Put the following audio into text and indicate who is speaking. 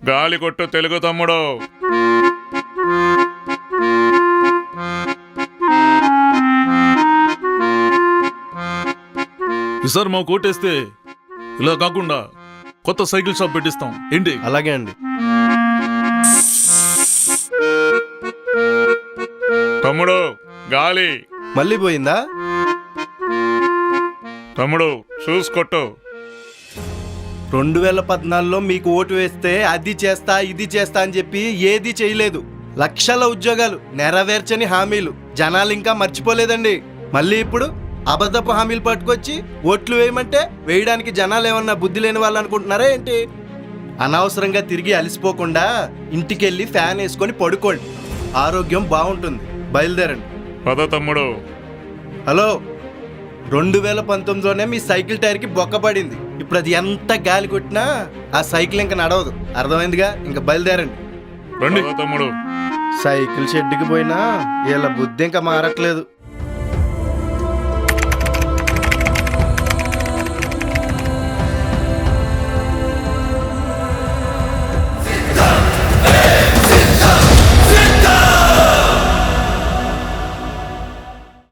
Speaker 1: గాలి కొట్టు తెలుగు తమ్ముడు.
Speaker 2: ఈసారి మా కోటేస్తే ఇలా కాకుండా కొత్త సైకిల్ షాప్ పెట్టిస్తాం ఏంటి?
Speaker 3: అలాగే అండి.
Speaker 1: తమ్ముడు గాలి.
Speaker 3: మళ్ళీ పోయిందా?
Speaker 1: తమ్ముడు షూస్ కొట్టు.
Speaker 3: 2014లో మీకు ఓటు వేస్తే అది చేస్తా ఇది చేస్తా అని చెప్పి ఏది చేయలేదు. లక్షల ఉద్యోగాలు, నెరవేర్చని హామీలు జనాలు ఇంకా మర్చిపోలేదండి. మళ్ళీ ఇప్పుడు అబద్ధపు హామీలు పట్టుకొచ్చి ఓట్లు వేయమంటే వేయడానికి జనాలు ఏమన్నా బుద్ధి లేని వాళ్ళు అనుకుంటున్నారా ఏంటి? అనవసరంగా తిరిగి అలసిపోకుండా ఇంటికెళ్ళి ఫ్యాన్ వేసుకొని పడుకోండి, ఆరోగ్యం బాగుంటుంది. బయలుదేరండి.
Speaker 1: పద తమ్ముడు.
Speaker 3: హలో, 2019లోనే మీ సైకిల్ టైర్కి బొక్క పడింది. ఇప్పుడు అది ఎంత గాలి కొట్టినా ఆ సైకిల్ ఇంకా నడవదు. అర్థమైందిగా? ఇంకా బయలుదేరండి.
Speaker 1: రండి తమ్ముడు.
Speaker 3: సైకిల్ షెడ్కి పోయినా వీళ్ళ బుద్ధి ఇంకా మారట్లేదు.